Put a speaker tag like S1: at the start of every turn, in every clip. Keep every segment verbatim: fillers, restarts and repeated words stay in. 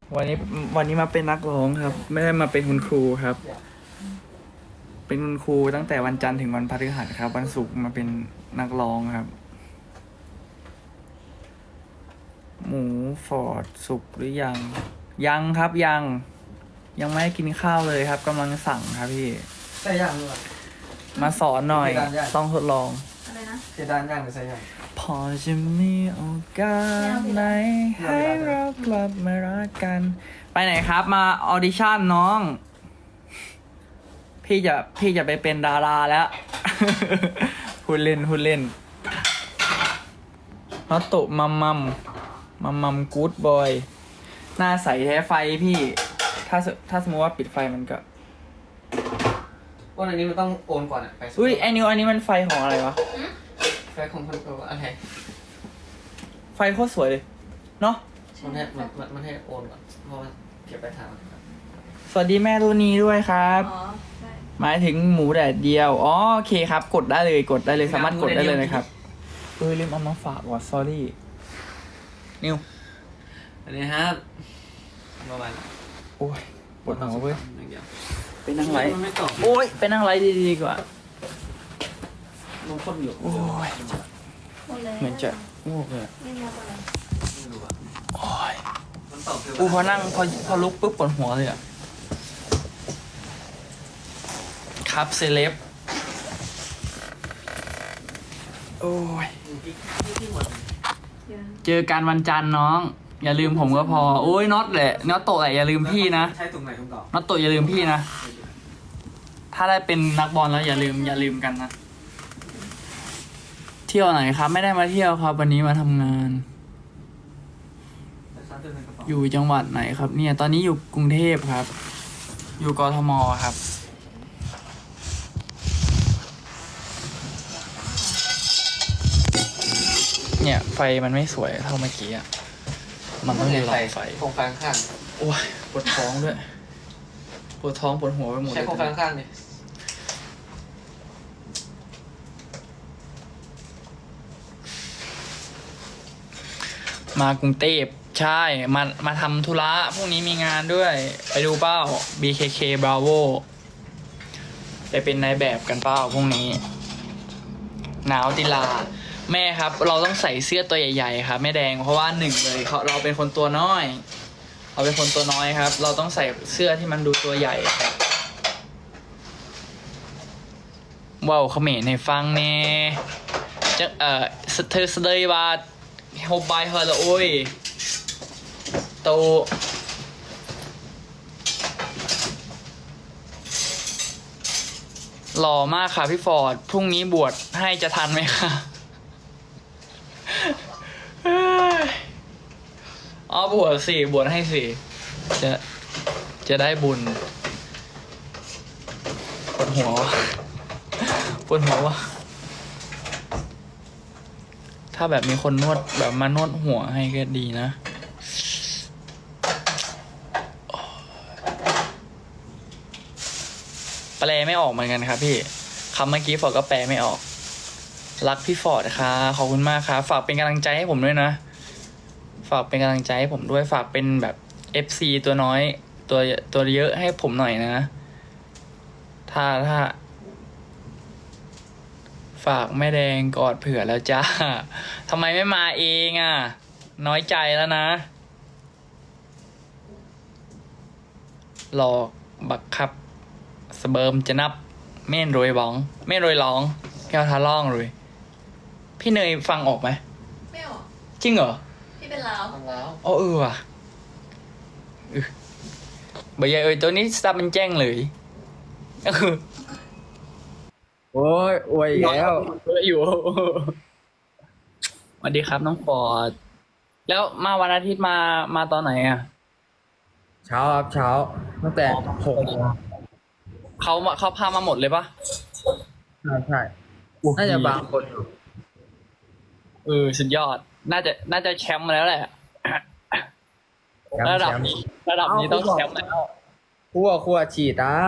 S1: วันนี้วันนี้มาเป็นนักร้องครับ ไม่ได้มาเป็นคุณครูครับ เป็นคุณครูตั้งแต่วันจันทร์ถึงวันพฤหัสครับ วันศุกร์มาเป็นนักร้องครับ หมูฟอร์ดสุกหรือยัง ยังครับยัง ยังไม่ได้กินข้าวเลยครับกำลังสั่งครับพี่
S2: ใส่ย่างด้วย
S1: มาสอนหน่อย
S2: ไม่ได้ได้
S1: ต้องทดลอง
S3: อะไรนะ
S2: เพดานย่างหรือใส่ย่าง
S1: พอจะมีโอกาสไหนให้เรากลับมารักกัน ไปไหนครับมาออดิชั่นน้อง พี่จะพี่จะไปเป็นดาราแล้ว พูดเล่นพูดเล่นนอตโตะมัมมัมมัมมัมกู๊ดบอยหน้าใสแท้ไฟพี่ ถ้าสถ้าสมมติว่าปิดไฟมันก็
S2: วันอันนี้มันต้องโอนก่อนอะไป
S1: อุ้ยไอ้นิวอันนี้มันไฟของอะไรวะ
S2: ไฟของพันตัวอะไร
S1: ไฟโคตรสวยเลย เนาะ
S2: มันให้มันมันมันให้โอนก่อนเพราะว่าเก็บไปทางครับ
S1: สวัสดีแม่รูนีด้วยครับ
S3: อ๋อใช่
S1: หมายถึงหมูแดดเดียว อ๋อโอเคครับ กดได้เลย กดได้เลย สามารถกดได้เลยนะครับ เออลืมเอามาฝากว่ะ sorry นิว
S2: อันนี้ครับประมาณ
S1: โอ้ยปวดหัวเว้ย
S2: อย่างเดียว
S1: ไปนั่งไลฟ์
S2: มันไม่ตอบ
S1: โอ้ย ไปนั่งไลฟ์ดีๆดีกว่า
S2: ลงคนอยู่
S1: โอ้ย
S3: หมดเลย
S1: เหมือนจะง่วงเลยอะ
S3: ไม่มีอะไร
S2: ไม่รู้อะ
S1: โอ้ย
S2: มันตอบคือ
S1: อูพอนั่งพอพอลุกปุ๊บปวดหัวเลยอ่ะ ครับเซเลบโอ้ย
S2: พี่พี่พี่หมด
S3: ยัง
S1: เจอกันวันจันทร์น้อง อย่าลืมผมก็พอ โอ้ยน็อตแหละน็อตโตะแหละอย่าลืมพี่นะ
S2: ใช้ถุงไหนถุงเก่า
S1: น็อตโตะอย่าลืมพี่นะ ถ้าได้เป็นนักบอลแล้วอย่าลืมอย่าลืมกันนะ เที่ยวไหนครับ ไม่ได้มาเที่ยวครับ วันนี้มาทำงาน
S2: แต่ซัดเดินในกระเป๋า
S1: อยู่จังหวัดไหนครับ เนี่ย ตอนนี้อยู่กรุงเทพครับ อยู่กทมครับ เนี่ยไฟมันไม่สวยเท่าเมื่อกี้อ่ะ มันต้องมีหลอดไฟ
S2: โครงไฟข้าง
S1: โอ้ยปวดท้องด้วย ปวดท้องปวดหัวไปหมด
S2: ๆ
S1: เล
S2: ใช้
S1: ย
S2: โครงไฟข้างๆดิ
S1: มากรุงเทพใช่ มา มาทำธุระพรุ่งนี้มีงานด้วย ไปดูเป้า บี เค เค Bravo ไปเป็นนายแบบกันเป้าพรุ่งนี้ หนาวติลา แม่ครับ เราต้องใส่เสื้อตัวใหญ่ๆครับแม่แดงเพราะว่าหนึ่งเลยเขาเราเป็นคนตัวน้อย เราเป็นคนตัวน้อยครับ เราต้องใส่เสื้อที่มันดูตัวใหญ่ครับว้าวเขมรให้ฟังเน่จะเอ่อเธอเสดยบาดโฮบายเฮอละโอ้ยโตหล่อมากค่ะพี่ฟอร์ดพรุ่งนี้บวชให้จะทันไหมคะ อ๋อบวชสิบวชให้สิจะจะได้บุญปวดหัววะปวดหัววะถ้าแบบมีคนนวดแบบมานวดหัวให้ก็ดีนะแปลไม่ออกเหมือนกันครับพี่คำเมื่อกี้ฟอร์ดก็แปลไม่ออกรักพี่ฟอร์ดค่ะขอบคุณมากครับฝากเป็นกำลังใจให้ผมด้วยนะฝากเป็นกำลังใจให้ผมด้วยฝากเป็นแบบ เอฟ ซี ตัวน้อยตัวตัวเยอะให้ผมหน่อยนะถ้าถ้าฝากแม่แดงกอดเผื่อแล้วจ้าทำไมไม่มาเองอ่ะน้อยใจแล้วนะหลอกบักครับสเบิร์มจะนับเม่นโรยบ้องเม่นโรยร้องแก้วทาล่องเลยพี่เนยฟังออกไหม
S3: ไม่ออก
S1: จริงเหรอ
S3: ที่เป็นลาว
S2: ทำแล้ว
S1: อ๋อเออว่ะเออใบใหญ่เอ้ยตัวนี้สตาร์เป็นแจ้งเลยก็คือ
S4: โอ้ยอวยอีกแล้ว
S1: เยอะอยู่ สวัสดีครับน้องฟอร์ด แล้วมาวันอาทิตย์มามาตอนไหนอ่ะ
S4: เช้าครับเช้าตั้งแต่หกโมง
S1: เขามาเขาพามาหมดเลยปะ
S4: ใช่ใช่น่าจะบางคนอยู่
S1: เออสุดยอด น่าจะน่าจะแชมป์มาแล้วแหละ
S4: แชมป์
S1: ระดับ
S4: แชมป์
S1: นี้ระดับนี้ต้องแชมป์แล้ว
S4: คั่วคั่วฉีดนะ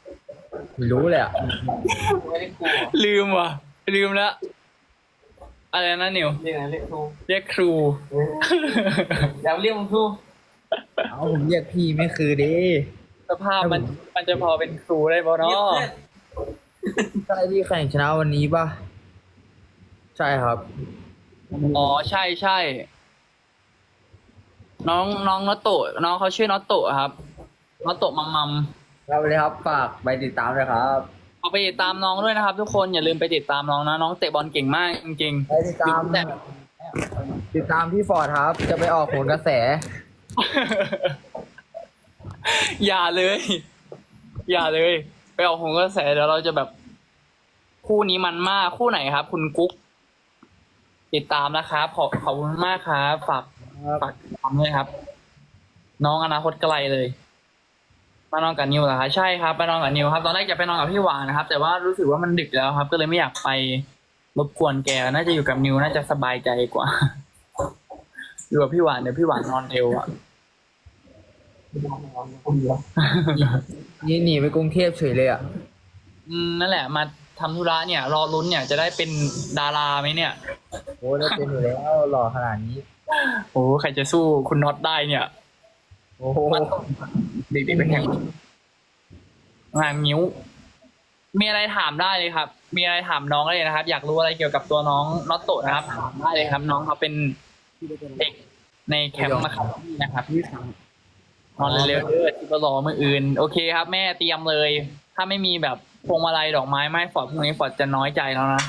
S4: ไม่รู้เลยอ่ะ
S2: ไม่ได้กลัว
S1: ลืมว่ะ ลืมแล้วอะไรนะนิว
S2: เรียกอะไรเรียกครู
S1: เรียกครู
S2: อย่าเรียกมึงครู
S4: เอาผมเรียกพี่ไม่คือดิ
S1: สภาพมันมันจะพอเป็นครูได้ป่ะ
S2: เรียก
S1: เนาะ
S2: เพื่อน
S4: ใช่ที่แข่งชนะวันนี้ป่ะ ใช่ครับ
S1: อ๋อใช่ใช่น้องน้องนอตโตะน้องเขาชื่อนอตโตะครับนอตโตะมัมมัม
S4: เราเลยครับฝากไปติดตามเลยครับ
S1: เอาไปติดตามน้องด้วยนะครับ ทุกคนอย่าลืมไปติดตามน้องนะน้องเตะบอลเก่งมากจริง
S4: ไปติดตาม
S1: แต่
S4: ติดตามพี่ฟอร์ดครับ จะไปออกโหนกระแส
S1: อย่าเลย อย่าเลย ไปออกหงกระแสเดี๋ยวเราจะแบบ คู่นี้มันมากคู่ไหนครับ คุณกุ๊ก ติดตามนะครับขอบขอบคุณมากครับฝากฝากติดตามด้วยครับ น้องอนาคตไกลเลยมานอนกับนิวเหรอคะใช่ครับไปนอนกับนิวครับตอนแรกจะไปนอนกับพี่หวานนะครับ แต่ว่ารู้สึกว่ามันดึกแล้วครับ ก็เลยไม่อยากไปรบกวนแกน่าจะอยู่กับนิวน่าจะสบายใจกว่า อยู่กับพี่หวานเดี๋ยวพี่หวานนอนเร็วอ่ะ
S4: นี่หนีไปกรุงเทพเฉยเลยอ่ะ
S1: อืมนั่นแหละมาทำธุระเนี่ย รอลุ้นเนี่ยจะได้เป็นดาราไหมเนี่ย
S4: โอ้ได้เป็นอยู่แล้วหล่อขนาดนี้
S1: โอ้ใครจะสู้คุณน็อตได้เนี่ย
S4: โอ้โห
S1: เด็กๆไปแข่งงานนิ้ว มีอะไรถามได้เลยครับ มีอะไรถามน้องได้เลยนะครับ อยากรู้อะไรเกี่ยวกับตัวน้องน็อตโตะนะครับถามได้เลยครับ น้องเขาเป็นเด็กในแคมป์นะครับนะครับนอนเร็วๆเด้อที่รอมืออื่น โอเคครับ แม่เตรียมเลย ถ้าไม่มีแบบพวงมาลัยดอกไม้ไม่ฟอร์ดพรุ่งนี้ฟอร์ดจะน้อยใจแล้วนะ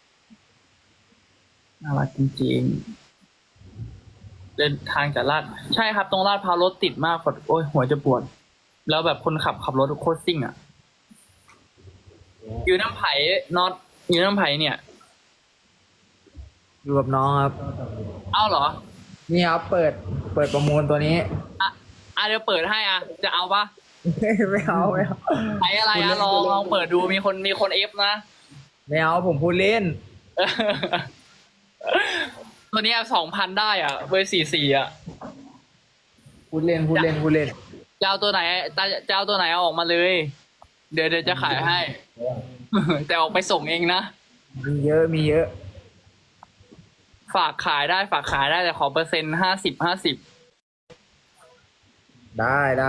S1: น่ารักจริงๆเดินทางจากลาดใช่ครับตรงลาดพร้าวรถติดมากฟอร์ดโอ้ยหัวจะปวด แล้วแบบคนขับขับรถโคตรซิ่งอ่ะอยู่น้ำไผ่น็อตอยู่น้ำไผ่เนี่ย
S4: อยู่กับน้องครับ
S1: เอ้าเหรอ
S4: นี่ครับเปิด เปิดประมูลตัวนี้
S1: อ่ะอ่ะเดี๋ยวเปิดให้อ่ะ จะเอาปะ
S4: ไม่เอาไม่เอา
S1: ใช้อะไรอ่ะลองลองเปิดดูมีคนมีคนเอฟนะ
S4: ไม่เอาผมพูดเล่น
S1: ตัวเนี้สองพันได้อ่ะเบอร์สี่สี่อ่ะ
S4: พูดเล่นพูดเล่นพูดเล่น
S1: จะเอาตัวไหนจะจะเอาตัวไหนเอาออกมาเลย เดี๋ยวเดี๋ยวจะขายให้ แต่ออกไปส่งเองนะ
S4: มีเยอะมีเยอะ
S1: ฝากขายได้ฝากขายได้แต่ขอเปอร์เซ็นต์ห้าสิบห้าสิบ
S4: ได้ได้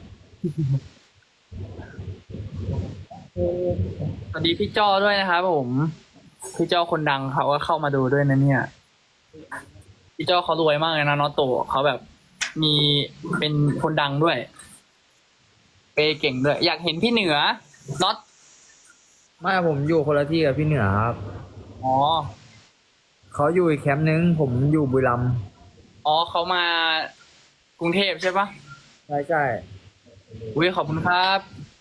S1: สวัสดีพี่จ้อด้วยนะครับผม พี่จ้อคนดังเขาก็เข้ามาดูด้วยนะเนี่ย พี่จ้อเขารวยมากเลยนะน็อตโตเขาแบบมีเป็นคนดังด้วย เปย์เก่งด้วย อยากเห็นพี่เหนือน็อต
S4: ไม่ผมอยู่คนละที่กับพี่เหนือครับ
S1: อ๋อ
S4: เขาอยู่อีกแคมป์นึง ผมอยู่บุรีรัมย์
S1: อ๋อเขามากรุงเทพใช่ปะ
S4: ใช่ใช่
S1: อุ้ยขอบคุณครับ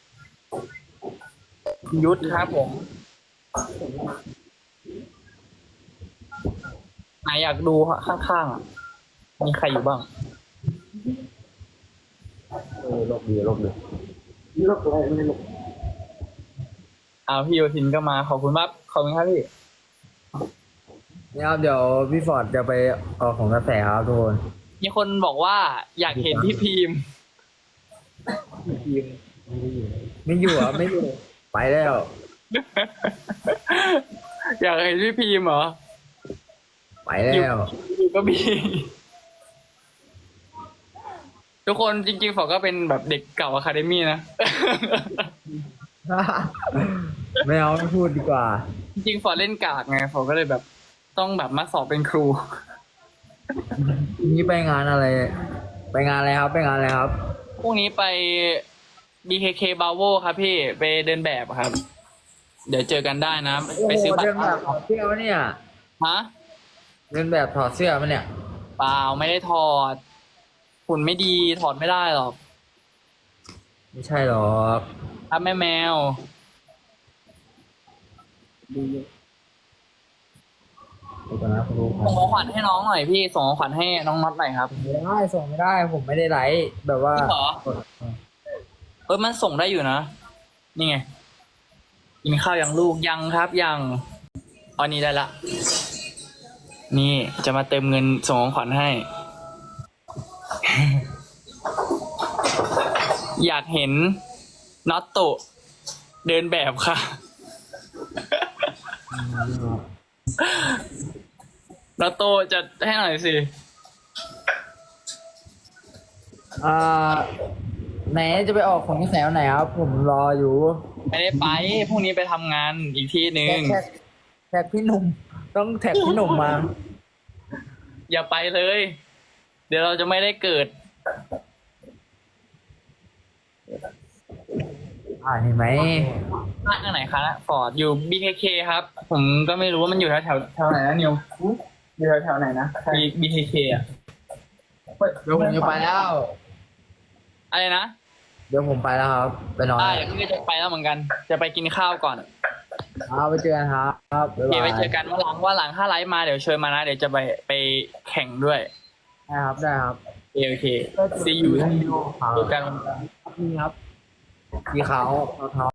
S1: คุณยุทธครับผมไหนอยากดูข้างๆอ่ะ มีใครอยู่บ้าง
S4: เออลบดีลบดี
S2: ลบอะไรไม่ลบ
S1: เอาพี่โยทินก็มาขอบคุณมากขอบคุณครับพี่
S4: นี่ครับเดี๋ยวพี่ฟอร์ดจะไปออกของกระแสครับทุกคน
S1: มีคนบอกว่าอยากเห็นพี่พิมพ์
S4: ไม่อยู่อ่ะไม่อยู่ ไปแล้ว
S1: อยากเห็นพี่พิมพ์เหรอ
S4: ไปแล้ว
S1: อยู่ก็มี ทุกคนจริงๆฝอก็เป็นแบบเด็กเก่าอะคาเดมี่นะ
S4: ไม่เอาไม่พูดดีกว่า
S1: จริงๆฝอเล่นกากไงฝอก็เลยแบบต้องแบบมาสอบเป็นครู
S4: นี่ไปงานอะไร ไปงานอะไรครับ ไปงานอะไรครับ
S1: พรุ่งนี้ไป บี เค เค Bravo ครับพี่ไปเดินแบบครับ เดี๋ยวเจอกันได้นะ ไปซื้อบัต
S4: เดิ
S1: ร
S4: นแบบถอดเสื้อปะเนี่ย
S1: ฮะ
S4: เดินแบบถอดเสื้อปะเนี่ย
S1: เปล่าไม่ได้ถอดหุ่นไม่ดีถอดไม่ได้หรอก
S4: ไม่ใช่หรอก
S1: ครับแม่แมว
S4: เดี๋ยวก่อนนะคุณรู้ครั
S1: ส่
S4: บ
S1: งของขวัญให้น้องหน่อยพี่ส่งของขวัญให้น้องน็อตหน่อยครับ
S4: ไม่ได้ส่งไม่ได้ ผมไม่ได้ไลฟ์แบบว่า
S1: จริงเหรอ เออมันส่งได้อยู่นะ นี่ไงกินข้าวยังลูกยังครับยังอันนี้ได้ละ นี่จะมาเติมเงินส่งของขวัญให้ อยากเห็นน็อตโตะเดินแบบค่ะแล้วโตจะให้หน่อยสิ
S4: อ่าไหนจะไปออกของที่แถวไหนครับ ผมรออยู่
S1: ไม่ได้ไปพรุ่งนี้ไปทำงานอีกที่หนึ่ง
S4: แท็กแท็กพี่หนุ่ม ต้องแท็กพี่หนุ่มมา
S1: อย่าไปเลย เดี๋ยวเราจะไม่ได้เกิด
S4: อ่าเห็นไหม
S1: บ้านไหนคะฟอร์ดอยู่ บี เค เค ครับ ผมก็ไม่รู้ว่ามันอยู่แถวแถวแถวไหนนะนิวอยู่แถวแถวไหนนะ บี เค เค อ่ะ
S4: เดี๋ยวผมจะไปแล้ว
S1: อะไรนะ
S4: เดี๋ยวผมไปแล้วครับ ไปนอน
S1: ได้เดี๋ยวพี่ก็จะไปแล้วเหมือนกัน จะไปกินข้าวก่อน
S4: เอาไปเจอกันครับครับ
S1: โอเคไว้เจอกันว่าหลังว่าหลังถ้าไลฟ์มาเดี๋ยวเชิญมานะ เดี๋ยวจะไปไปแข่งด้วย
S4: ได้ครับ ได้ครับ
S1: โอเคโอเค see you see you
S4: ครับ
S1: เจอกัน
S4: นี่ครับสีขาวเทา